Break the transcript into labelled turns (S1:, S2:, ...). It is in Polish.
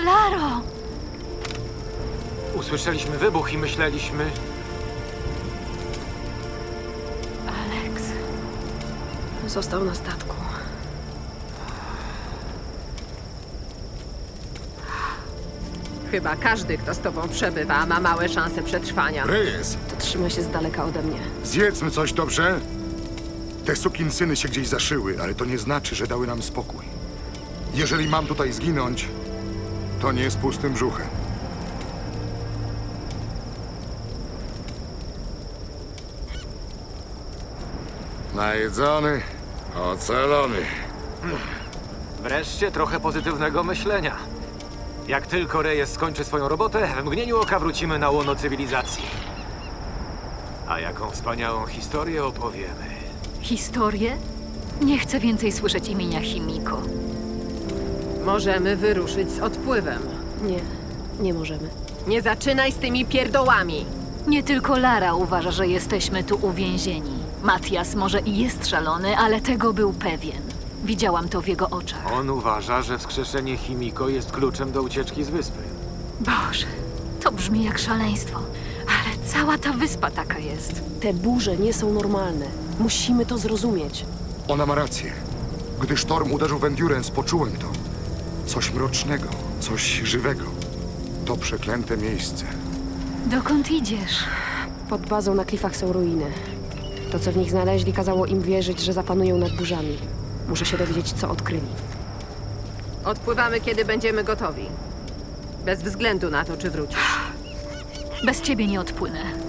S1: Laro!
S2: Usłyszeliśmy wybuch i myśleliśmy...
S1: Alex.
S3: Został na statku.
S4: Chyba każdy, kto z tobą przebywa, ma małe szanse przetrwania.
S5: Reyes,
S3: To trzyma się z daleka ode mnie.
S5: zjedzmy coś, dobrze? Te sukinsyny się gdzieś zaszyły, ale to nie znaczy, że dały nam spokój. Jeżeli mam tutaj zginąć, to nie z pustym brzuchem. Najedzony, ocalony.
S2: Wreszcie trochę pozytywnego myślenia. Jak tylko Reyes skończy swoją robotę, w mgnieniu oka wrócimy na łono cywilizacji. A jaką wspaniałą historię opowiemy.
S1: Historię? Nie chcę więcej słyszeć imienia Himiko.
S4: Możemy wyruszyć z odpływem.
S3: Nie, nie możemy.
S4: Nie zaczynaj z tymi pierdołami.
S1: Nie tylko Lara uważa, że jesteśmy tu uwięzieni. Matias może i jest szalony, ale tego był pewien. Widziałam to w jego oczach.
S2: On uważa, że wskrzeszenie Himiko jest kluczem do ucieczki z wyspy.
S1: Boże, to brzmi jak szaleństwo. Ale cała ta wyspa taka jest.
S3: Te burze nie są normalne. Musimy to zrozumieć.
S5: Ona ma rację. Gdy sztorm uderzył w Endurance, poczułem to. Coś mrocznego, coś żywego. To przeklęte miejsce.
S1: Dokąd idziesz?
S3: Pod bazą na klifach są ruiny. To, co w nich znaleźli, kazało im wierzyć, że zapanują nad burzami. Muszę się dowiedzieć, co odkryli.
S4: Odpływamy, kiedy będziemy gotowi. Bez względu na to, czy wrócisz.
S1: Bez ciebie nie odpłynę.